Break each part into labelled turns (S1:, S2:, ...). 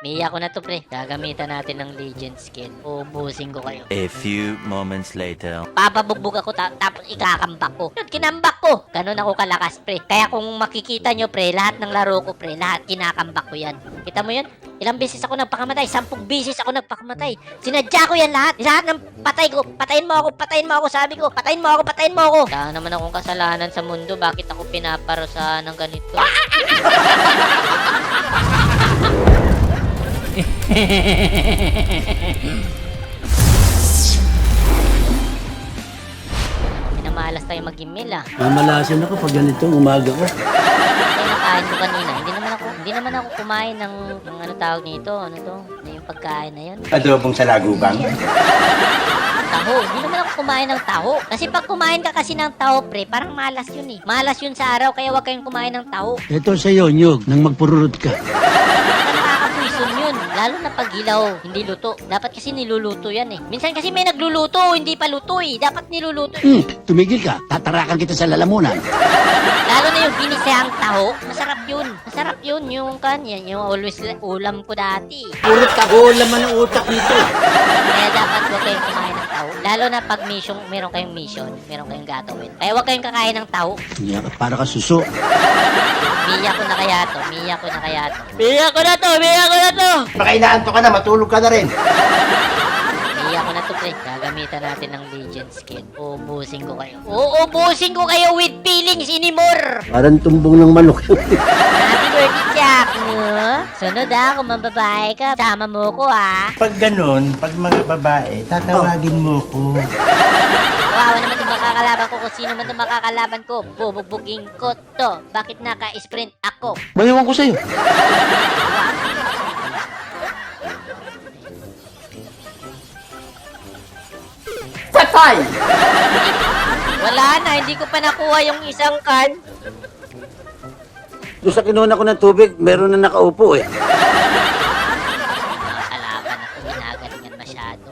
S1: Miya ko na to, pre. Gagamitan natin ng legend skill. Ubusin ko kayo.
S2: A few moments later.
S1: Papabugbog ako tapos ikakambak ko. Yun, kinambak ko. Ganun ako kalakas, pre. Kaya kung makikita nyo, pre, lahat ng laro ko, pre, lahat kinakambak ko yan. Kita mo yun? Ilang beses ako nagpakamatay? 10 beses ako nagpakamatay. Sinadya ko yan lahat. Lahat ng patay ko. Patayin mo ako, patayin mo ako, sabi ko. Patayin mo ako, patayin mo ako. Kaya naman akong kasalanan sa mundo. Bakit ako pinaparusahan ng ganito? Minamalas tayo mag-email ah.
S3: Mamalasan ako pag ganito, umaga ko.
S1: Ano nakain ko kanina? Hindi naman ako kumain ng ano tawag nito? Ano to? Ano yung pagkain na yun?
S4: Adobong sa lagubang.
S1: Taho. Hindi naman ako kumain ng taho. Kasi pag kumain ka kasi ng taho, pre, parang malas yun eh. Malas yun sa araw, kaya huwag kayong kumain ng taho.
S3: Ito sa'yo, Nyug, nang magpururot ka.
S1: Nakakapuison yun. Lalo na pag hilaw, hindi luto. Dapat kasi niluluto yan eh. Minsan kasi may nagluluto, hindi pa luto eh. Dapat niluluto.
S3: Tumigil ka, tatarakan kita sa lalamunan.
S1: Lalo na yung ginisang taho, masarap yun. Masarap yun yung kanya, yung always ulam ko dati.
S3: Purot ka, ulam man ang utak nito.
S1: Kaya dapat huwag kayong kumain ng taho. Lalo na pag mission, meron kayong mission, meron kayong gagawin. Kaya huwag kayong kakain ng taho.
S3: Para ka suso.
S1: Miya ko na kaya to, miya ko na kaya to. Miya ko na to, miya ko na to!
S4: Baka inaanto ka na, matulog ka na rin.
S1: Miya ko na to, pre. Gagamitan natin ng legend skill. Uubusin ko kayo. Uubusin ko kayo with feelings anymore!
S3: Parang tumbong ng manok.
S1: Happy birthday, Jack! Sunod kung mababae ka, sama mo ko
S4: Pag ganun, pag mga babae, tatawagin mo ko.
S1: Kawawa naman itong makakalaban ko kung sino man itong makakalaban ko. Bubugbugin ko to. Bakit naka-sprint ako?
S3: Bayawan ko sa'yo.
S4: Patay!
S1: Wala na, hindi ko pa nakuha yung isang kan.
S3: Doon sa kinuna ko ng tubig, meron na nakaupo eh.
S1: Kalaban ako, ginagalingan masyado.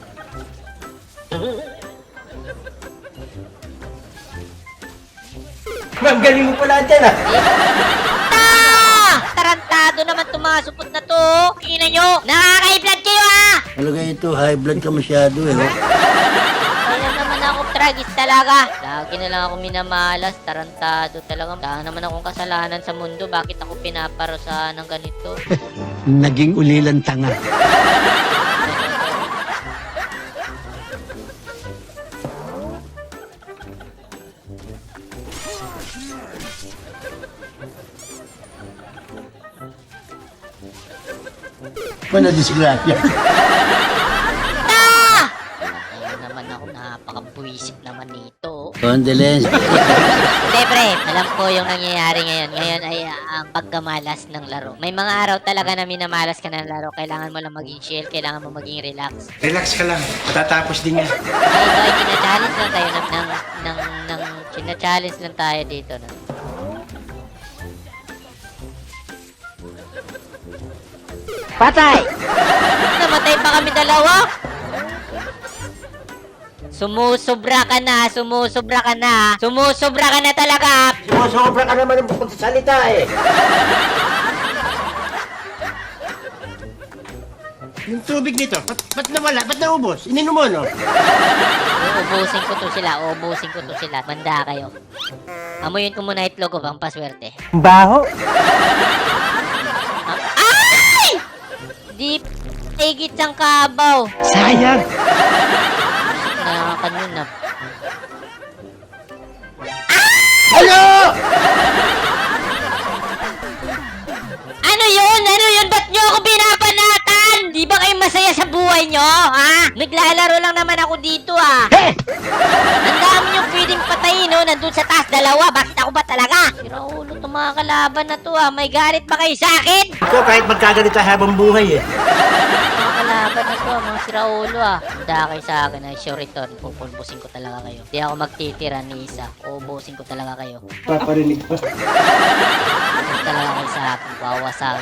S4: Ma'am, galing mo pala dyan
S1: Tarantado naman itong mga supot na to. Tingnan nyo, nakaka-i-blood kayo
S3: Talaga ito, high blood ka masyado eh.
S1: Kaya naman ako tragis talaga. Lagi na lang ako minamalas, tarantado talaga. Kaya naman akong kasalanan sa mundo. Bakit ako pinaparusahan ng ganito?
S3: Naging ulilan tanga. Ano disgrasya?
S1: Ayun naman ako, napaka-buwisit naman nito.
S3: Condolence.
S1: Hindi, pre. Alam ko yung nangyayari ngayon. Ngayon ay ang pagkamalas ng laro. May mga araw talaga na minamalas ka ng laro. Kailangan mo lang maging chill. Kailangan mo maging relax.
S4: Relax ka lang, matatapos din yan.
S1: Ito ay china-challenge lang tayo china-challenge lang tayo dito. No? Patay! Namatay pa kami dalawa? Sumusobra ka na, sumusobra ka na. Sumusobra ka na talaga.
S4: Sumusobra ka naman ng pagsasalita eh. Yung tubig nito, ba't nawala? Ba't naubos? Ininom mo, no?
S1: Uubusin ko to sila, uubusin ko to sila. Manda kayo. Amuyin ko muna itlog ko pang paswerte.
S4: Baho.
S1: Ay! Di higit ang kabaw.
S4: Sayang.
S1: Na kanina.
S4: Ano?
S1: Ano yun? Ano yun? Ba't nyo ako binabanatan? Di ba kayo masaya sa buhay nyo? Ha? Naglalaro lang naman ako dito Ang dami nyo pwedeng patayin nandun sa taas dalawa. Bakit ako ba talaga? Sira ulo itong mga kalaban na to May galit ba kayo sa akin?
S4: Ito kahit magkagalita habang buhay eh.
S1: Mga kalaban na to mga sira ulo Handa kayo sa akin sure return. Pupulbusin ko talaga kayo. Di ako magtitira ni isa. Uubusin ko talaga kayo.
S4: Paparinig pa.
S1: Uubusin talaga kayo sa akin. Bawasag.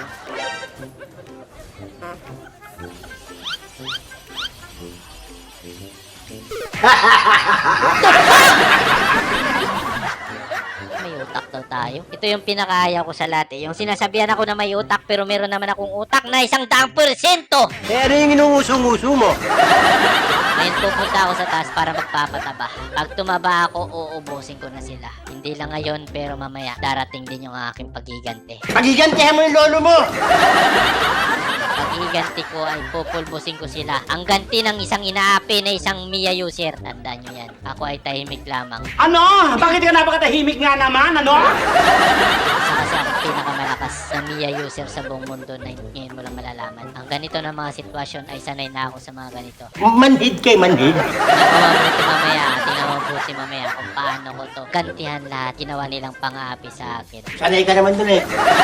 S1: May utak daw tayo. Ito yung pinakaayaw ko sa lahat eh. Yung sinasabihan ako na may utak pero meron naman akong utak na 100%.
S3: Eh, ano yung inuusong-uso mo?
S1: Ngayon pupunta ako sa taas para magpapataba. Pag tumaba ako, uubusin ko na sila. Hindi lang ngayon pero mamaya darating din yung aking pagigante.
S3: Pagigantihan mo yung lolo mo!
S1: Pag-iganti ko ay pupulbusin ko sila. Ang ganti ng isang inaapi na isang Mia user. Tandaan nyo yan. Ako ay tahimik lamang.
S5: Ano? Bakit ka napakatahimik nga naman? Ano?
S1: Isa kasi ako pinakamalakas na Mia user sa buong mundo na ngayon mo lang malalaman. Ang ganito na mga sitwasyon ay sanay na ako sa mga ganito.
S3: Manhid kay manhid.
S1: Tingnan mo mabuti mamaya kung paano ko to gantihan lahat. Ginawa nilang pang-aapi sa akin.
S3: Sanay ka naman dun eh.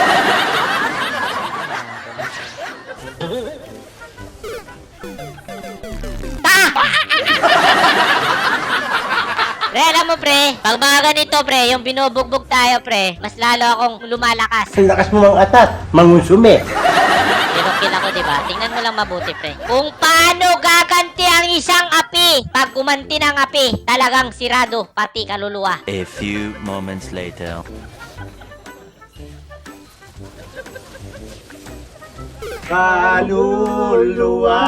S1: Pre, alam mo pre, pag mga ganito pre, yung binubugbog tayo pre, mas lalo akong lumalakas.
S3: Ang lakas mo mang atat, mangunsume.
S1: Kinukil ako, diba? Tingnan mo lang mabuti, pre. Kung paano gaganti ang isang api. Pag gumanti ng api, talagang sirado, pati kaluluwa.
S2: A few moments later.
S3: Kaluluwa.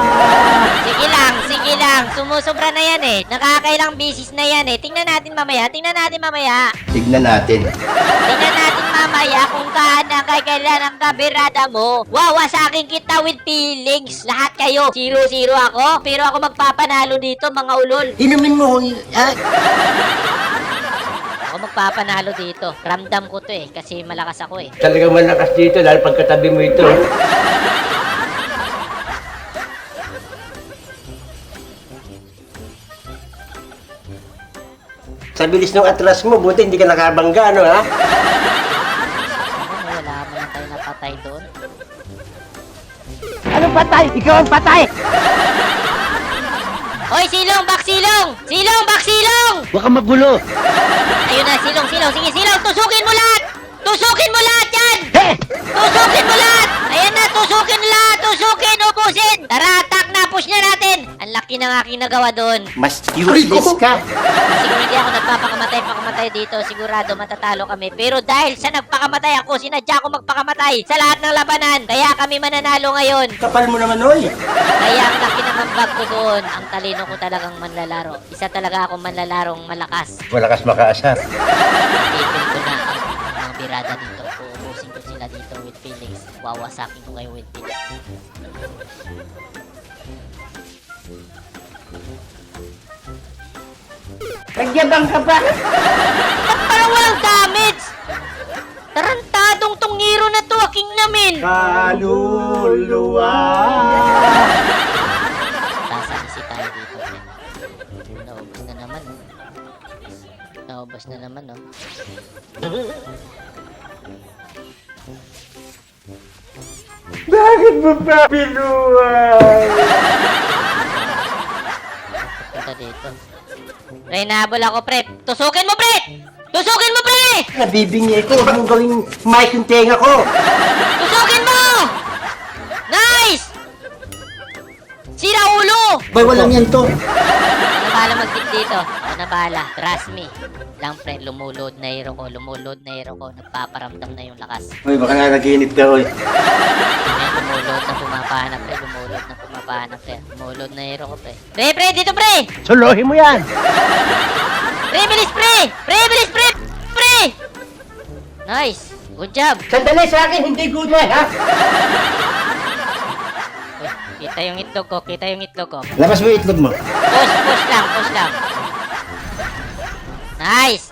S1: Sige lang. Sumusobra na yan eh. Nakakailang bisis na yan eh. Tingnan natin mamaya.
S3: Tignan natin.
S1: Tingnan natin mamaya kung kaana kay kailan ang kabirada mo. Wawasakin kita with feelings. Lahat kayo. 0-0 ako. Pero ako magpapanalo dito, mga ulol.
S3: Inumin mo.
S1: Ako magpapanalo dito. Ramdam ko to eh. Kasi malakas ako eh.
S3: Talagang malakas dito dahil pagkatabi mo ito. Sa bilis ng atras mo, buti hindi ka nakabangga, ano ha?
S1: Wala mo na tayo napatay doon.
S3: Anong patay? Ikaw ang patay!
S1: Hoy, silong! Baksilong! Silong! Baksilong!
S3: Huwag kang magulo!
S1: Ayun na, silong! Sige, silong! Tusukin mo lahat! Tusukin mo lahat yan!
S3: He!
S1: Tusukin mo lahat! Ayan na, tusukin lahat! Tusukin! Ubusin! Tara, attack na! Push na natin! Ang laki ng aking nagawa doon.
S3: Mas useless ka!
S1: Siguro hindi ako nagpapakamatay dito. Sigurado matatalo kami. Pero dahil sa nagpakamatay ako, sinadya ko magpakamatay sa lahat ng labanan. Kaya kami mananalo ngayon.
S3: Kapal mo naman, oy!
S1: Kaya ang laki ng ambag ko doon. Ang talino ko talagang manlalaro. Isa talaga akong manlalarong malakas.
S3: Malakas makaasar.
S1: Ipil ko na ang mga birada dito. Uubusin ko sila dito with feelings. Wawasakin ko kayo with feelings.
S3: Nagyabang ka pa!
S1: Ba't parang walang damage? Tarantadong tong hero na to. Aking namin.
S3: Kaluluwa!
S1: Sasabisi tayo dito. Naubos na naman. Naubos na naman, no?
S3: Bakit mo pa binuhay?
S1: Punta dito. Pre, nahabol ako, pre. Tusukin mo, pre! Tusukin mo, pre!
S3: Nabibingi ko, huwag mong gawing mic yung tenga ko!
S1: Tusukin mo! Nice! Sira ulo!
S3: Bay, walang yan to!
S1: Ako na bahala mag-tip dito. Ako na bahala. Trust me. Lang, pre. Lumulod na hero ko. Nagpaparamdam na yung lakas.
S3: Uy, baka nanaginip ka, oy.
S1: Ayan, lumulod na pumapana, pre. Lumulod na hero ko, pre. Pre, dito, pre!
S3: Solohin mo yan!
S1: Pre, bilis, pre! Bilis, pre! Nice! Good job!
S3: Sandali sa akin, hindi good yan, ha?
S1: Uy, kita yung itlog ko.
S3: Labas mo yung itlog mo.
S1: Push lang. Nice!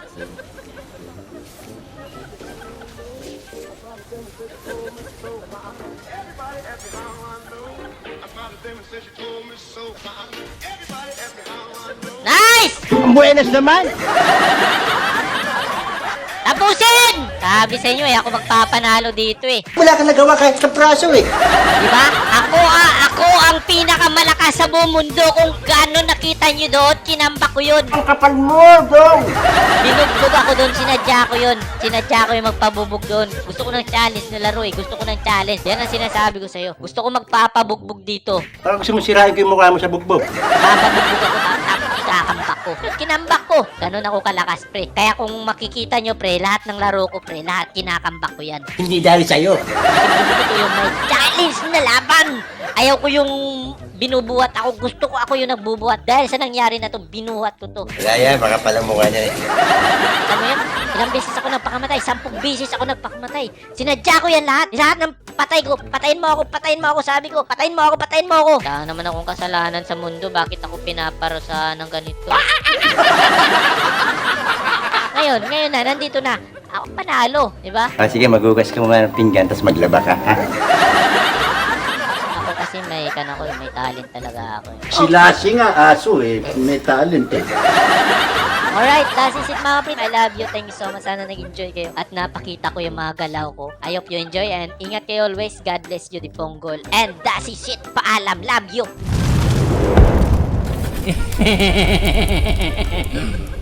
S1: Nice!
S3: Ang buenas naman!
S1: Tapusin! Sabi sa inyo eh, ako magpapanalo dito eh.
S3: Wala kang nagawa kahit sa praso, eh.
S1: Diba? Ako ang pinakamalakas sa buong mundo. Kung gaano nakita nyo doon, kinamba ko yun.
S3: Ang kapal mo, dong!
S1: Binugbog ako doon, sinadya ko yun. Sinadya ko yung magpabubog doon. Gusto ko ng challenge na laro eh. Gusto ko ng challenge. Yan ang sinasabi ko sa'yo. Gusto ko magpapabugbog dito.
S3: Parang gusto mo sirain ko yung mukha mo sa bugbog.
S1: Papabugbog ako, ikakambak ko. ko. Yun, kinambak ko. Ganun ako kalakas, pre. Kaya kung makikita nyo, pre, lahat ng laro ko, pre, lahat kinakambak ko yan.
S3: Hindi dahil sa'yo.
S1: Gusto ko yung may challenge na laban. Ayaw ko yung binubuhat ako. Gusto ko ako yung nagbubuhat. Dahil sa nangyari na to, binuhat ko to.
S3: Wala yan, baka palang mukha niya eh.
S1: Alam mo yan? Ilang beses ako nagpakamatay. 10 beses ako nagpakamatay. Sinadya ko yan lahat. Lahat ng patay ko. Patayin mo ako, patayin mo ako. Sabi ko, patayin mo ako, patayin mo ako. Wala naman akong kasalanan sa mundo. Bakit ako pinaparusahan ng ganito? Ngayon na, nandito na. Ako panalo, di ba?
S3: Sige, magugas ka muna ng pinggan, tapos maglaba ka.
S1: Ako kasi may talent talaga ako.
S4: Si Lassie nga, aso eh. May talent eh.
S1: Alright, that's it mga pre. I love you. Thank you so much. Sana nag-enjoy kayo. At napakita ko yung mga galaw ko. I hope you enjoy and ingat kayo always. God bless you, the Ponggol. And that's it. Paalam. Love you.